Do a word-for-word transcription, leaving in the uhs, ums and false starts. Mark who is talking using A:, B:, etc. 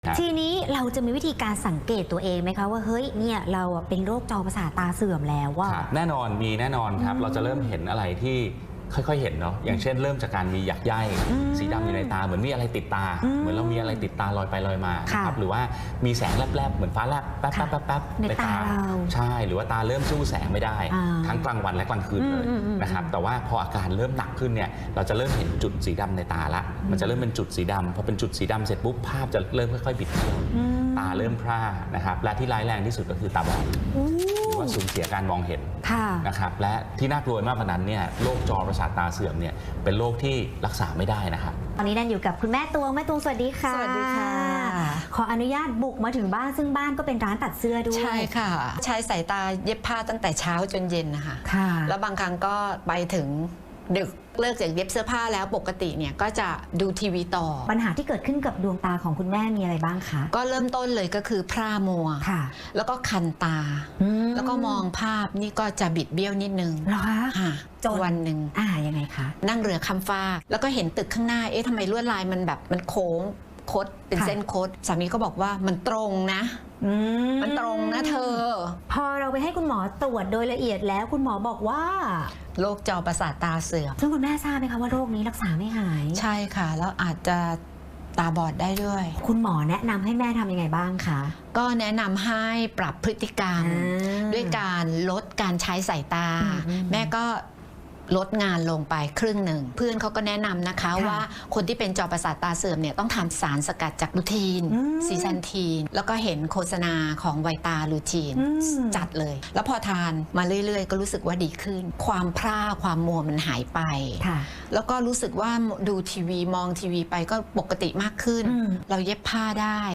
A: ทีนี้เราจะมีวิธีการสังเกตตัวเองไหมคะว่าเฮ้ยเนี่ยเราเป็นโรคจอประสาทตาเสื่อมแล้วว่า
B: แน่นอนมีแน่นอนครับเราจะเริ่มเห็นอะไรที่ค่อยๆเห็นเนาะอย่างเช่นเริ่มจากการมีหยักใยสีดำอยู่ในตาเหมือนมีอะไรติดตาเหมือนเรามีอะไรติดตาลอยไปลอยมานะครับหรือว่ามีแสงแลบๆเหมือนฟ้าแลบแป๊บๆแป๊บๆในตาใช่หรือว่าตาเริ่มสู้แสงไม่ได้ทั้งกลางวันและกลางคืนเลยนะครับแต่ว่าพออาการเริ่มหนักขึ้นเนี่ยเราจะเริ่มเห็นจุดสีดำในตาละมันจะเริ่มเป็นจุดสีดำพอเป็นจุดสีดำเสร็จปุ๊บภาพจะเริ่มค่อยๆบิดเบี้ยวตาเริ่มพร่านะครับและที่ร้ายแรงที่สุดก็คือตาบอดหรือว่าสูญเสียการมองเห็นนะครับและที่น่ากลัวมากกว่านั้นเนี่ยโรคจอประสาทตาเสื่อมเนี่ยเป็นโรคที่รักษาไม่ได้นะครับ
A: ตอนนี้ดันอยู่กับคุณแม่ตวงแม่ตวงสวัสดีค่ะ
C: สวัสดีค่ะ
A: ขออนุญาตบุกมาถึงบ้านซึ่งบ้านก็เป็นร้านตัดเสื้อด้วย
C: ใช่ค่ะใช้สายตาเย็บผ้าตั้งแต่เช้าจนเย็นนะคะแล้วบางครั้งก็ไปถึงดึกเลิกจากเย็บเสื้อผ้าแล้วปกติเนี่ยก็จะดูทีวีต่อ
A: ปัญหาที่เกิดขึ้นกับดวงตาของคุณแม่มีอะไรบ้างคะ
C: ก็เริ่มต้นเลยก็คือพร่ามัวแล้วก็คันตาแล้วก็มองภาพนี่ก็จะบิดเบี้ยวนิดนึง
A: เหรอคะ
C: จนวันหนึ่ง
A: อ่ายังไงคะ
C: นั่งเรือข้ามฟากแล้วก็เห็นตึกข้างหน้าเอ๊ะทำไมลวดลายมันแบบมันโค้งคดเป็นเส้นคดสามีก็บอกว่ามันตรงนะมันตรงนะเธอ
A: พอเราไปให้คุณหมอตรวจโดยละเอียดแล้วคุณหมอบอกว่า
C: โรคจอประสาทตาเสื่อม
A: ซึ่งคุณแม่ทราบไหมคะว่าโรคนี้รักษาไม่หาย
C: ใช่ค่ะแล้วอาจจะตาบอดได้ด้วย
A: คุณหมอแนะนำให้แม่ทำยังไงบ้างคะ
C: ก็แนะนำให้ปรับพฤติกรรมด้วยการลดการใช้สายตาแม่ก็ลดงานลงไปครึ่งหนึ่งเพื่อนเขาก็แนะนำนะคะว่าคนที่เป็นจอประสาทตาเสื่อมเนี่ยต้องทานสารสกัดจากลูทีนซีซันทีนแล้วก็เห็นโฆษณาของไวตาลูทีนจัดเลยแล้วพอทานมาเรื่อยๆก็รู้สึกว่าดีขึ้นความพร่าความมัวมันหายไปแล้วก็รู้สึกว่าดูทีวีมองทีวีไปก็ปกติมากขึ้นเราเย็บผ้าได้